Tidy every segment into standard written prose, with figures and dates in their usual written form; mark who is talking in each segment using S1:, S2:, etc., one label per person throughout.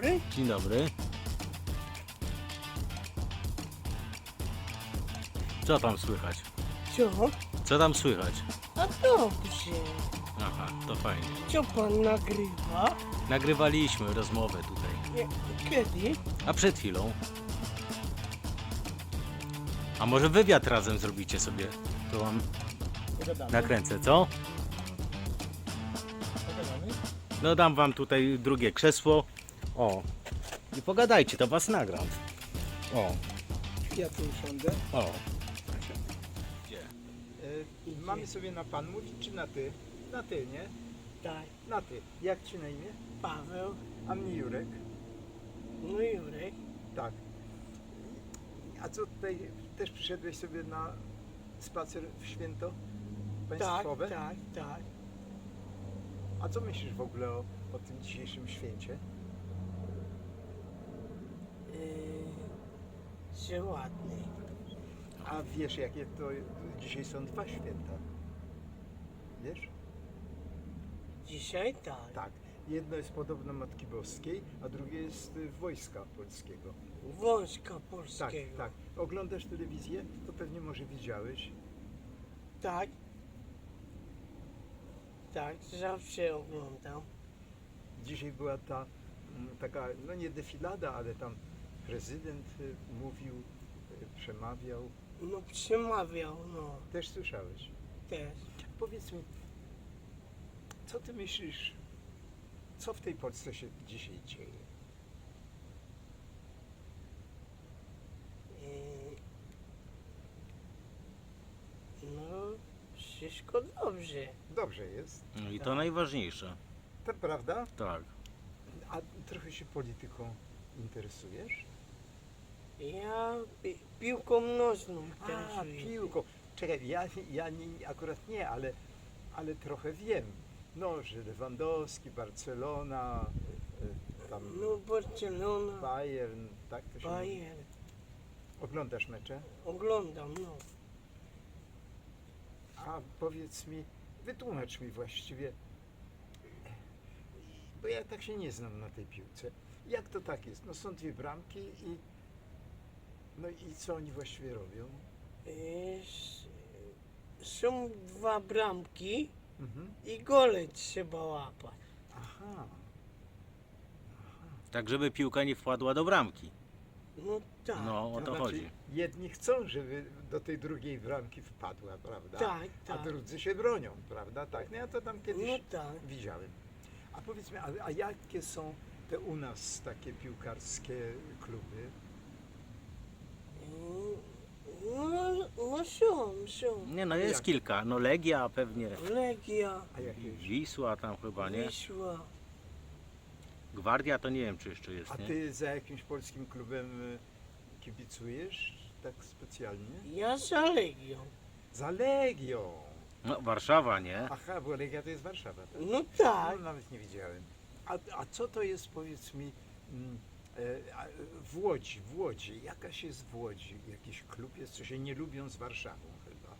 S1: dobry.
S2: Dzień dobry. Co tam słychać?
S1: Co?
S2: Co tam słychać?
S1: A dobrze.
S2: Aha, to fajnie.
S1: Co pan nagrywa?
S2: Nagrywaliśmy rozmowę tutaj.
S1: Kiedy?
S2: A przed chwilą. A może wywiad razem zrobicie sobie? To wam nakręcę, co? No dam wam tutaj drugie krzesło. O. I pogadajcie, to was nagram. O.
S3: Ja tu usiądę.
S2: O.
S3: Mamy sobie na pan mówić, czy na ty? Na ty, nie?
S1: Tak.
S3: Na ty. Jak ci na imię?
S1: Paweł.
S3: A mnie Jurek.
S1: No Jurek.
S3: Tak. A co tutaj, też przyszedłeś sobie na spacer w święto
S1: Tak,
S3: państwowe?
S1: tak, tak.
S3: A co myślisz w ogóle o tym dzisiejszym święcie?
S1: Że ładny.
S3: A wiesz, jakie to dzisiaj są dwa święta? Wiesz?
S1: Dzisiaj tak.
S3: Tak. Jedno jest podobno Matki Boskiej, a drugie jest Wojska Polskiego.
S1: Wojska
S3: Tak,
S1: Polskiego.
S3: tak. Oglądasz telewizję? To pewnie może widziałeś.
S1: Tak. Tak, zawsze oglądam.
S3: Dzisiaj była ta taka, no nie defilada, ale tam prezydent mówił, przemawiał.
S1: No przemawiał, no.
S3: Też słyszałeś.
S1: Też.
S3: Powiedz mi, co ty myślisz, co w tej Polsce się dzisiaj dzieje?
S1: No, wszystko dobrze.
S3: Dobrze jest,
S2: No i to najważniejsze.
S3: to prawda?
S2: Tak.
S3: A trochę się polityką interesujesz?
S1: Ja piłką nożną
S3: A,
S1: interesuję się.
S3: piłką. Czekaj, ja nie, akurat nie, ale trochę wiem. No, że Lewandowski, Barcelona, tam
S1: No Barcelona,
S3: Bayern, tak to się mówi.
S1: Bayern.
S3: Oglądasz mecze?
S1: Oglądam, no.
S3: A powiedz mi, wytłumacz mi właściwie, bo ja tak się nie znam na tej piłce. Jak to tak jest? No są dwie bramki no i co oni właściwie robią?
S1: Są dwa bramki
S3: Mhm.
S1: i gole trzeba łapać.
S3: Aha.
S2: Tak, żeby piłka nie wpadła do bramki.
S1: No tak,
S2: No, o to
S3: znaczy,
S2: chodzi.
S3: jedni chcą, żeby do tej drugiej bramki wpadła, prawda?
S1: tak,
S3: A
S1: tak.
S3: drudzy się bronią, prawda? Tak, no ja to tam kiedyś
S1: No tak.
S3: widziałem. A powiedz mi, a jakie są te u nas takie piłkarskie kluby?
S1: No są.
S2: Nie no, jest
S3: Jak?
S2: kilka. No Legia pewnie.
S1: Legia,
S3: A jakie już?
S2: Wisła tam chyba, nie?
S1: Wisła.
S2: Gwardia to nie wiem, czy jeszcze jest,
S3: A
S2: nie?
S3: ty za jakimś polskim klubem kibicujesz tak specjalnie?
S1: Ja za Legią.
S3: Za Legią!
S2: No, Warszawa, nie?
S3: Aha, bo Legia to jest Warszawa, tak?
S1: No tak.
S3: No, nawet nie widziałem. A co to jest, powiedz mi, w Łodzi, jakaś jest w Łodzi, jakiś klub jest, co się nie lubią z Warszawą chyba?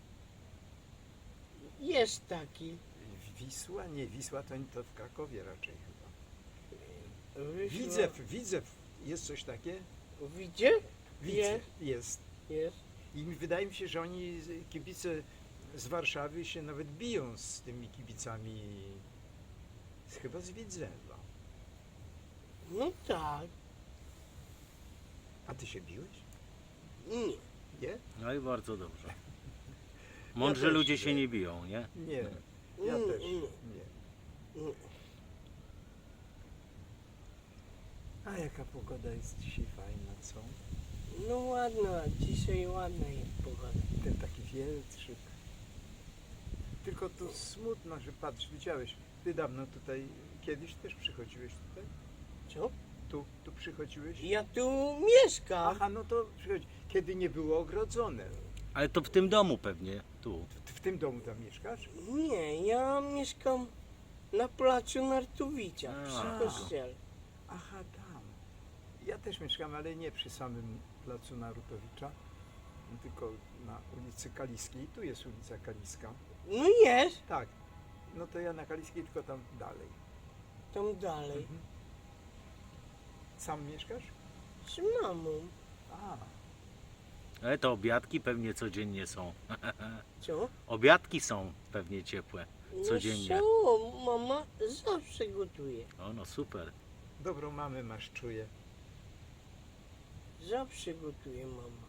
S1: Jest taki.
S3: Wisła? Nie, Wisła to w Krakowie raczej chyba.
S1: Wisła.
S3: Widzew, jest coś takie?
S1: Widzicie?
S3: Widzew, jest.
S1: Jest.
S3: I wydaje mi się, że oni, kibice z Warszawy się nawet biją z tymi kibicami, chyba z Widzewa.
S1: No tak.
S3: A ty się biłeś?
S1: Nie.
S3: Nie?
S2: No i bardzo dobrze. Mądrzy
S3: też
S2: ludzie
S3: nie.
S2: się nie biją, nie?
S3: Nie, ja
S1: Mm,
S3: też
S1: mm.
S3: nie.
S1: Mm.
S3: A jaka pogoda jest dzisiaj fajna, co?
S1: No ładna, dzisiaj ładna jest pogoda.
S3: Ten taki wietrzyk. Tylko to smutno, że patrz, widziałeś, ty dawno tutaj, kiedyś też przychodziłeś tutaj?
S1: Co?
S3: Tu przychodziłeś?
S1: Ja tu mieszkam.
S3: Aha, no to przychodzi. Kiedy nie było ogrodzone.
S2: Ale to w tym domu pewnie, tu.
S3: W tym domu tam mieszkasz?
S1: Nie, ja mieszkam na placu Nartowicza,
S2: A.
S1: przy kościele.
S3: Aha, tam. Ja też mieszkam, ale nie przy samym placu Narutowicza, tylko na ulicy Kaliskiej. Tu jest ulica Kaliska.
S1: No jest,
S3: Tak. No to ja na Kaliskiej, tylko tam dalej.
S1: tam dalej.
S3: Mhm. Sam mieszkasz?
S1: Z mamą.
S3: A,
S2: Ale to obiadki pewnie codziennie są.
S1: Co?
S2: Obiadki są pewnie ciepłe. Codziennie.
S1: No co, mama zawsze gotuje.
S2: O, no super.
S3: dobrą mamę masz, czuję.
S1: Zawsze gotuje mama.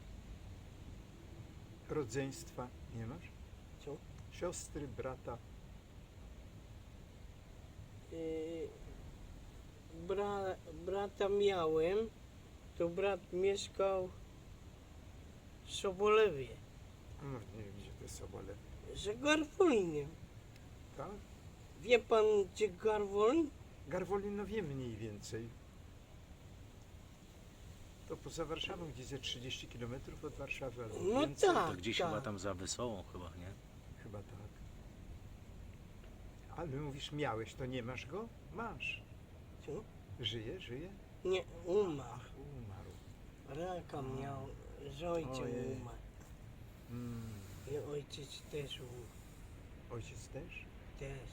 S3: Rodzeństwa nie masz?
S1: Co?
S3: Siostry, brata?
S1: Yy, brata miałem, to brat mieszkał w Sobolewie,
S3: No, nie wiem, gdzie to jest Sobolew.
S1: za Garwolinem.
S3: Tak?
S1: Wie pan, gdzie Garwolin?
S3: Garwolin, no wiem mniej więcej. To poza Warszawą, gdzieś ze 30 km od Warszawy albo
S1: No
S3: więcej.
S1: tak.
S2: To gdzieś chyba tam za Wesołą chyba, nie?
S3: Chyba tak. Ale mówisz, miałeś, to nie masz go? Masz.
S1: Co?
S3: Żyje?
S1: Nie, umarł.
S3: Ach, umarł.
S1: Raka miał, z ojcem
S3: Ojej.
S1: umarł.
S3: Mm.
S1: I ojciec też umarł.
S3: Ojciec też?
S1: Też.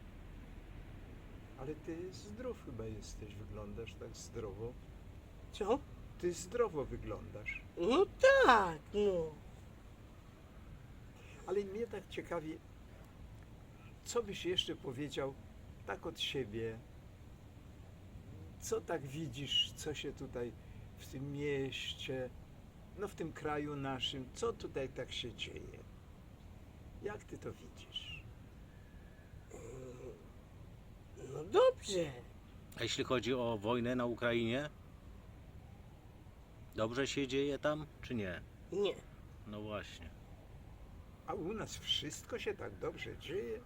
S3: Ale ty zdrów chyba jesteś, wyglądasz tak zdrowo.
S1: Co?
S3: Ty zdrowo wyglądasz.
S1: No tak, no.
S3: Ale mnie tak ciekawi, co byś jeszcze powiedział tak od siebie? Co tak widzisz, co się tutaj w tym mieście, no w tym kraju naszym, co tutaj tak się dzieje? Jak ty to widzisz?
S1: No dobrze.
S2: A jeśli chodzi o wojnę na Ukrainie? Dobrze się dzieje tam, czy nie?
S1: Nie.
S2: No właśnie.
S3: A u nas wszystko się tak dobrze dzieje?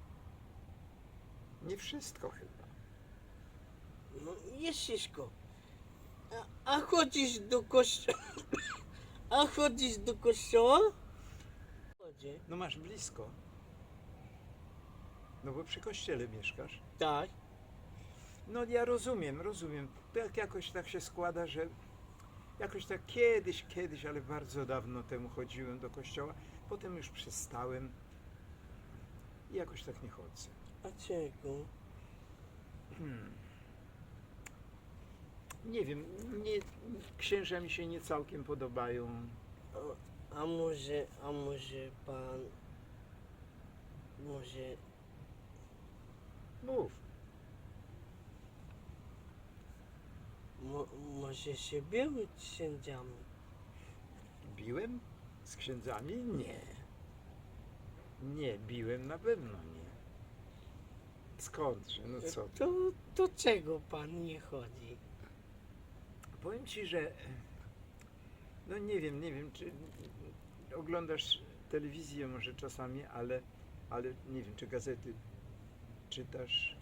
S3: Nie wszystko chyba.
S1: No jest wszystko. A chodzisz do kościoła? A chodzisz do kościoła? Chodzę.
S3: No masz blisko. No bo przy kościele mieszkasz.
S1: Tak.
S3: No ja rozumiem. Tak jakoś tak się składa, że jakoś tak kiedyś, ale bardzo dawno temu chodziłem do kościoła. Potem już przestałem i jakoś tak nie chodzę.
S1: A czego?
S3: Nie wiem, księża mi się nie całkiem podobają.
S1: A może pan... Może...
S3: Mów.
S1: Może się bił z księdzami?
S3: Biłem z księdzami? Nie. Nie, biłem na pewno nie. Skądże, no co ty?
S1: To czego pan nie chodzi?
S3: Powiem ci, że no nie wiem, czy oglądasz telewizję może czasami, ale nie wiem, czy gazety czytasz.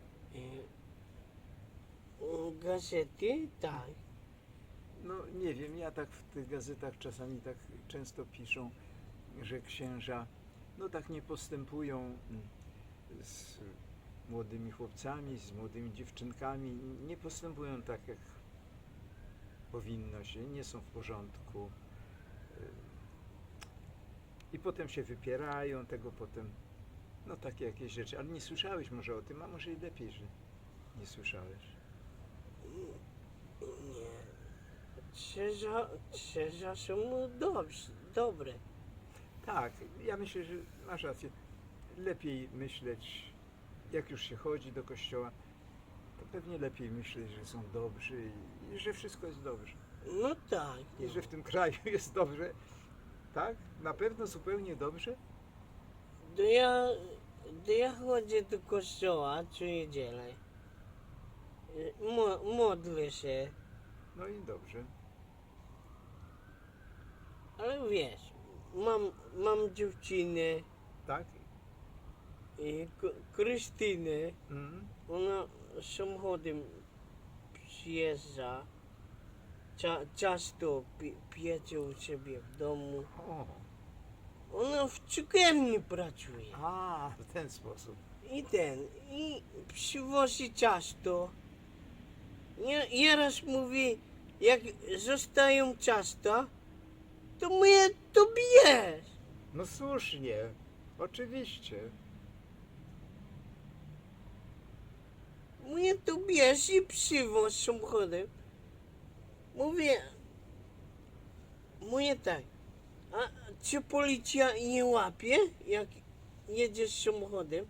S1: Gazety? Tak.
S3: No nie wiem, ja tak w tych gazetach czasami tak często piszą, że księża no tak nie postępują z młodymi chłopcami, z młodymi dziewczynkami, nie postępują tak jak powinno się, nie są w porządku. I potem się wypierają tego potem, no takie jakieś rzeczy. Ale nie słyszałeś może o tym, a może i lepiej, że nie słyszałeś.
S1: Nie. Księża są dobre.
S3: Tak, ja myślę, że masz rację. Lepiej myśleć, jak już się chodzi do kościoła, to pewnie lepiej myśleć, że są dobrzy i że wszystko jest dobrze.
S1: No tak.
S3: I że w tym kraju jest dobrze. Tak? Na pewno zupełnie dobrze?
S1: To ja chodzę do kościoła co niedzielę. Modlę się,
S3: No i dobrze.
S1: ale wiesz, mam dziewczynę,
S3: Tak?
S1: Krystynę.
S3: Mm.
S1: Ona samochodem przyjeżdża. Często piecze u siebie w domu.
S3: O,
S1: Ona w cukierni pracuje.
S3: a, w ten sposób.
S1: I przywozi ciasto. Ja raz mówię, jak zostają ciasta, to mnie to bijesz.
S3: No słusznie, oczywiście.
S1: Mówię, to bierz i przywoź samochodem. Mówię tak, a czy policja nie łapie, jak jedziesz samochodem?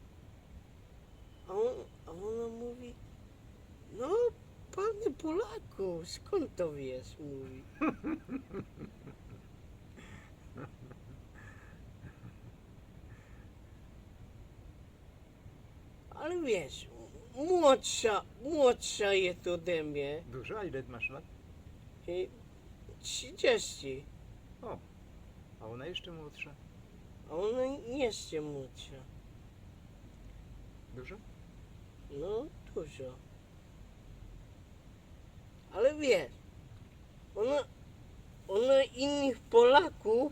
S1: A ona mówi, no panie Polaku, skąd to wiesz, mówi. Ale wiesz, młodsza jest ode mnie,
S3: Dużo? A ile masz lat?
S1: 30,
S3: O, a ona jeszcze młodsza.
S1: a ona jeszcze młodsza.
S3: Dużo?
S1: No, dużo. Ale wiesz, ona innych Polaków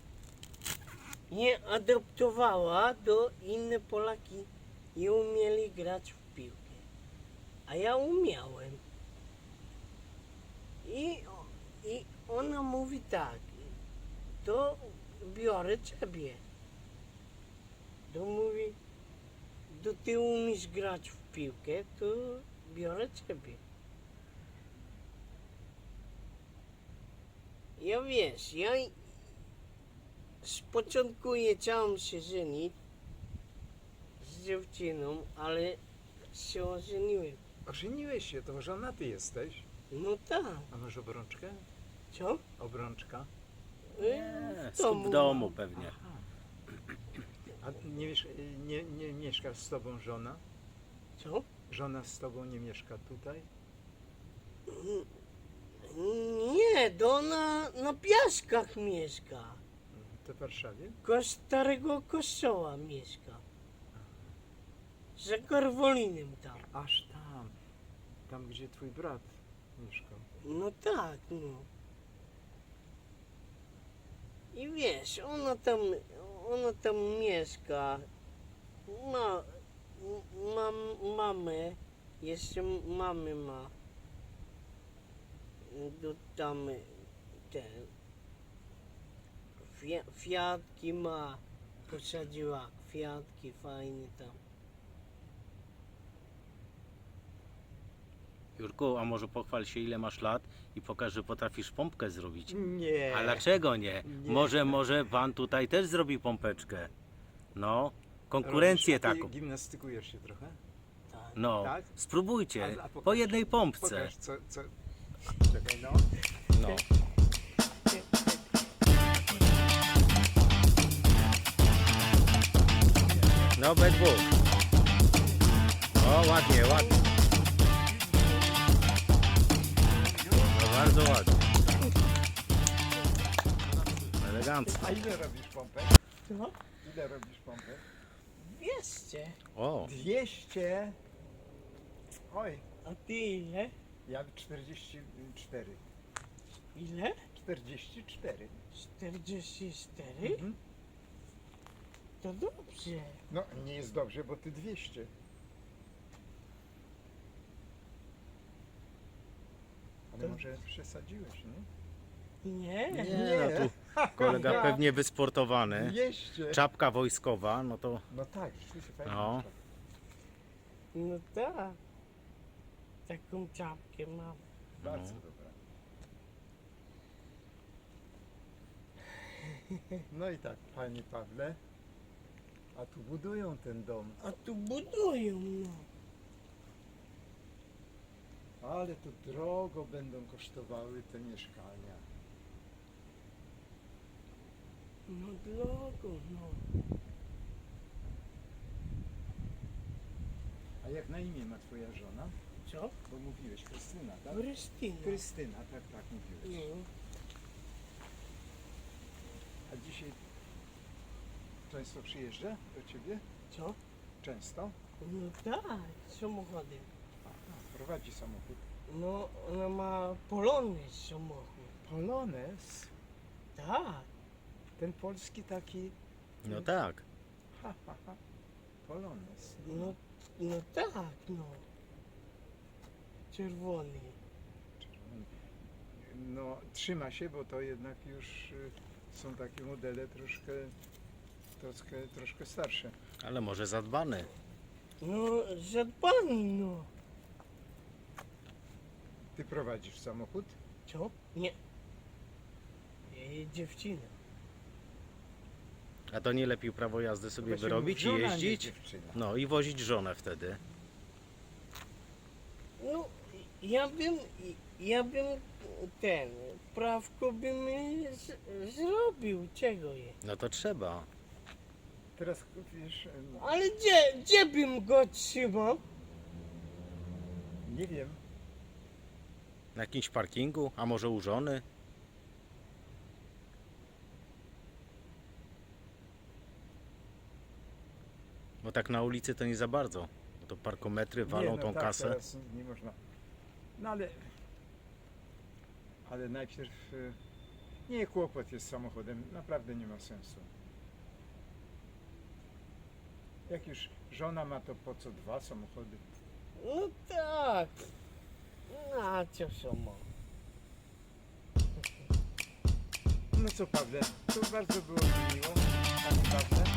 S1: nie adoptowała do inne Polaki nie umieli grać w piłkę. A ja umiałem. I ona mówi tak, to biorę ciebie. To mówi, to ty umiesz grać w piłkę, to biorę ciebie. Ja wiesz, ja z początku chciałem się żenić z dziewczyną, ale się ożeniłem.
S3: Ożeniłeś się, to żonaty jesteś.
S1: No tak,
S3: A masz obrączkę?
S1: co?
S3: Obrączka?
S2: Nie, w domu pewnie.
S3: Aha. A nie mieszka z tobą żona?
S1: Co?
S3: Żona z tobą nie mieszka tutaj?
S1: Nie, to na Piaskach mieszka.
S3: To w Warszawie?
S1: Koło starego kościoła mieszka. Za Karwolinem tam.
S3: Aż tam. Tam, gdzie twój brat mieszkał.
S1: No tak, no. I wiesz, ona tam mieszka. Ma mamę, jeszcze mamy ma. Do tam te kwiatki ma, posadziła kwiatki fajne tam.
S2: Jurku, a może pochwal się ile masz lat i pokaż, że potrafisz pompkę zrobić.
S3: Nie.
S2: A dlaczego nie?
S3: Nie.
S2: Może pan tutaj też zrobi pompeczkę. No, konkurencję
S3: Robisz, a ty
S2: taką.
S3: Gimnastykujesz się trochę?
S1: Tak.
S2: No,
S3: Tak?
S2: spróbujcie.
S3: A pokaż-
S2: Po jednej pompce.
S3: Pokaż co. Czekaj, no.
S2: No. No, obydwu. O, ładnie, ładnie. No, bardzo ładnie. Elegancko.
S3: A ile robisz pompę?
S1: No,
S3: Ile robisz pompę?
S1: 200.
S2: O,
S3: 200. Oj,
S1: A ty ile?
S3: ja 44.
S1: Ile?
S3: 44.
S1: 44?
S3: Mhm.
S1: To dobrze.
S3: No, nie jest dobrze, bo ty 200. Ale
S1: To-
S3: może przesadziłeś, nie?
S1: Nie?
S2: nie, no tu kolega pewnie wysportowany.
S3: 200.
S2: Czapka wojskowa, no to
S3: No tak, rzeczywiście fajnie.
S2: No.
S1: No tak. Taką czapkę mam.
S3: Bardzo dobra. No i tak, panie Pawle, a tu budują ten dom,
S1: A tu budują, no.
S3: ale to drogo będą kosztowały te mieszkania.
S1: No drogo, no.
S3: A jak na imię ma twoja żona?
S1: Co?
S3: Bo mówiłeś Krystyna, tak?
S1: Krystyna.
S3: Krystyna, tak mówiłeś.
S1: No.
S3: A dzisiaj często przyjeżdża do ciebie?
S1: Co?
S3: Często?
S1: No tak, samochodem.
S3: Aha, prowadzi samochód.
S1: No, ona ma polony samochód.
S3: Polones?
S1: Tak.
S3: Ten polski taki...
S2: no tak.
S3: Ha. Polones.
S1: No tak, no. Czerwony.
S3: No, trzyma się, bo to jednak już są takie modele troszkę starsze.
S2: Ale może zadbany.
S1: No, zadbany, no.
S3: Ty prowadzisz samochód?
S1: Co? Nie. Dziewczyna.
S2: A to nie lepiej prawo jazdy sobie
S3: Właśnie
S2: wyrobić i
S3: żona, nie
S2: jeździć?
S3: dziewczyna.
S2: No i wozić żonę wtedy.
S1: No, ja bym prawko bym zrobił, czego je.
S2: No to trzeba.
S3: Teraz wiesz,
S1: Ale gdzie bym go trzymał?
S3: nie wiem,
S2: Na jakimś parkingu, a może u żony? Bo tak na ulicy to nie za bardzo. Bo to parkometry walą
S3: nie, no
S2: tą
S3: tak,
S2: kasę.
S3: Teraz nie można. No ale najpierw nie, kłopot jest z samochodem, naprawdę nie ma sensu. Jak już żona ma, to po co 2 samochody?
S1: No tak. Na co samo?
S3: No co Pawle, to bardzo było mi miło, tak naprawdę.